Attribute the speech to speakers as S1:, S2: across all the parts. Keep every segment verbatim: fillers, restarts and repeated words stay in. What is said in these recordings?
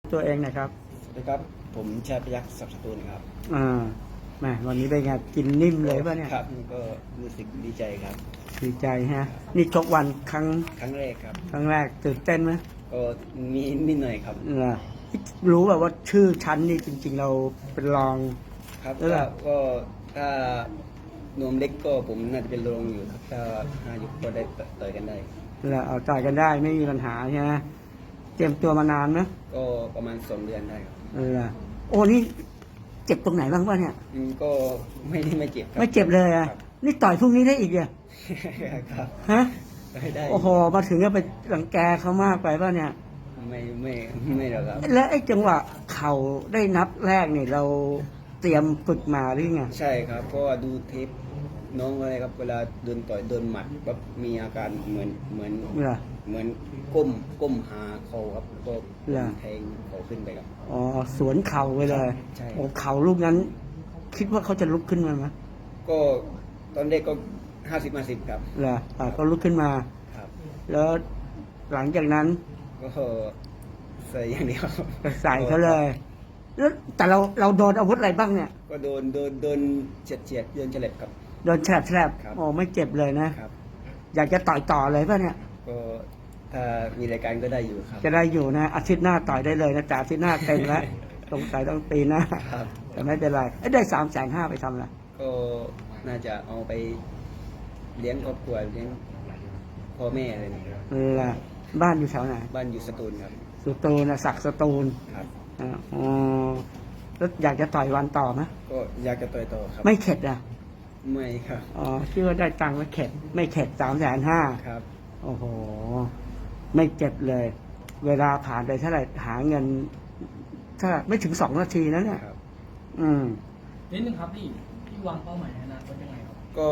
S1: ตัวเองนะครับ
S2: สวัสดีครับผมชาติพยัคฆ์ศักดิ์สตูลครับ
S1: อ่าแหมวันนี้เป็นไงกินนิ่มเลยป่ะเนี่ย
S2: ครับก็รู้สึกดีใจครับ
S1: ดีใจฮะนี่ชกวันครั้ง
S2: ครั้งแรกครับ
S1: ครั้งแรกตื่นเต้นไหม
S2: ก็มีนิดหน่อยครับ
S1: เหรอรู้แบบว่าชื่อชั้นนี่จริง ๆ เราเป็นรอง
S2: ครับก็ก็ถ้านวมเล็กก็ผมน่าจะเป็นรองอยู่ครับถ้าห้ายกก็ได้ต่อยกันได้
S1: แล้วเอาต่อยกันได้ไม่มีปัญหาใช่ไหมเตรียมตัวมานานไหม
S2: ก็ประมาณสองเดือนได้ครับ
S1: เออโอ้นี่เจ็บตรงไหนบ้างป่ะเนี่ย
S2: ก็ไม่ได้ไม่เจ็บครับ
S1: ไม่เจ็บเลยอ่ะนี่ต่อยพรุ่งนี้ได้อีกเหรอ
S2: ครับ
S1: ฮะ
S2: ได้
S1: โอ้โหมาถึงก็ไปรังแกเขามากไปป่ะเนี่ย
S2: ไม่ไม่ไม่หรอกครับ
S1: แล้วไอ้จังหวะเข่าได้นับแรกเนี่ยเราเตรียมฝึกมาหรือไง
S2: ใช่ครับเพราะว่าดูเทปน้องอะไรครับเวลาโดนต่อยโดนหมัดแบบมีอาการเหมือนเหมือนเหมือนก้มก้มหาเขาครับก็แทงเขาขึ้นไปครับ
S1: อ๋อสวนเข่าไปเลย
S2: ใช่
S1: โอ้เข่าลูกนั้น คิดว่าเขาจะลุกขึ้นมาไหม
S2: ก็ตอนเด็กก็ห้าสิบมาสิบครับ
S1: เหรออ่าก็ลุกขึ้นมา
S2: ครับ
S1: แล้วหลังจากนั้น
S2: ก็ใส่อย่างเดียว
S1: ใส่เขาเลยแล้วแต่เราเราโดนอาวุธอะไรบ้างเนี่ย
S2: ก็โดนโดนโดนเฉียดเฉียดโดนเฉลบครับ
S1: โดนแฉลบแฉลบโอ้ไม่เจ็บเลยนะครับอยากจะต่อยต่อเลยป่ะเนี่ย
S2: ก็ถ้ามีรายการก็ได้อยู่ครับ
S1: จะได้อยู่นะอาทิตย์หน้าต่อยได้เลยนะจ่าอาทิตย์หน้าเต็มแล้วสงสัยต้องตีหน้าแต่ไม่เป็นไรได้สามแสนห้าไปทำอะไร
S2: ก็น่าจะเอาไปเลี้ยงครอบครัวเลี้ยงพ่อแม่อะไรนะครับ
S1: เออบ้านอยู่แถวไหน
S2: บ้านอยู่สตูลครับ
S1: สตูลนะศักดิ์สตูล
S2: ครับ
S1: อ๋อแล้วอยากจะต่อยวันต่อไหม
S2: ก็อยากจะต่อยต่อครับ
S1: ไม่เข็ดอ่ะ
S2: ไม่ครับ
S1: อ๋อคิดว่าได้ตังค์ไม่เข็ดไม่เข็ดสามแสนห้า
S2: ครับ
S1: โอ้โหไม่เจ็บเลย เวลาผ่านไปเท่าไหร่หาเงินถ้าไม่ถึงสองนาทีนะเนี่ยอืม
S3: นิดนึงครับพี่พี่วางเป้าหมายในอนาคตยังไงครับ
S2: ก็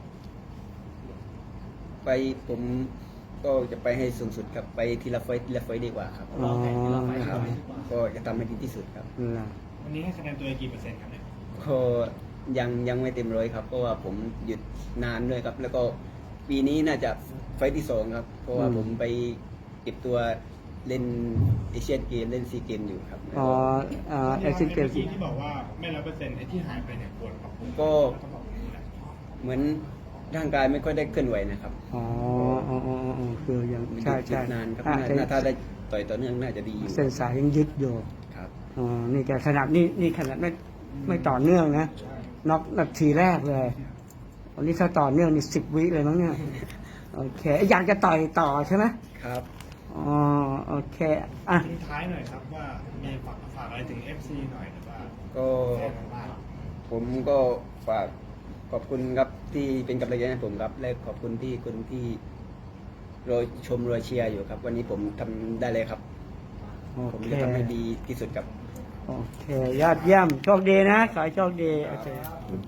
S2: ไปผมก็จะไปให้สูงสุดครับไปทีละไฟทีละไฟดีกว่าครับ
S3: เราแข่งทีละไฟ
S2: ครับ
S3: ดีกว่า
S2: ก็จะทำให้ดีที่สุดครับ
S3: วันนี้ให้คะแนนตัวเองกี่เปอร์เซ็นต์ครับเนี่ย
S2: ก็ยังยังไม่เต็มร้อยครับเพราะว่าผมหยุดนานด้วยครับ แล้วก็ปีนี้น่าจะไฟที่สองครับเพราะว่าผมไปเก็บตัวเล่นเอเชียนเกมเล่นซีเกมอยู่ครับ
S1: อ๋ออ่าเอเชียนเกม
S3: ที่บอกว่าไม่ร้อยเปอร์เซ็นต์ไอ้ที่หายไปเนี่ยควรครับ
S2: ก็เหมือนร่างกายไม่ค่อยได้เคลื่อนไหวนะครับ
S1: อ๋ออ๋ออ๋อคือยังใช่ใช่
S2: นานครับถ้าได้ต่อยต่อเนื่องน่าจะดี
S1: เส้นสายยังยึดอยู่
S2: ครับ
S1: อ๋อนี่แกขนาดนี่นี่ขนาดไม่ไม่ต่อเนื่องนะน็อกนาทีแรกเลยวันนี้ถ้าต่อเนื่องนี่สิบวิเลยมั้งเนี่ยโอเคอยากจะต่อยต่อใช่ไหม
S2: ครับ
S1: อ๋อโอเคอ่ะ
S3: ทิ้งท้ายหน่อยครับว่ามีฝากฝากอะไรถึง เอฟ ซี หน่อยหรือว่า
S2: ก็ผมก็ฝากขอบคุณครับที่เป็นกำลังใจให้ผมครับและขอบคุณที่คนที่รอชมรอเชียร์อยู่ครับ วันนี้ผมทำได้เลยครับผมจะทำให้ดีที่สุดครับ
S1: โอเคยอดเยี่ยมโชคดีนะขอให้โชคดีโอเค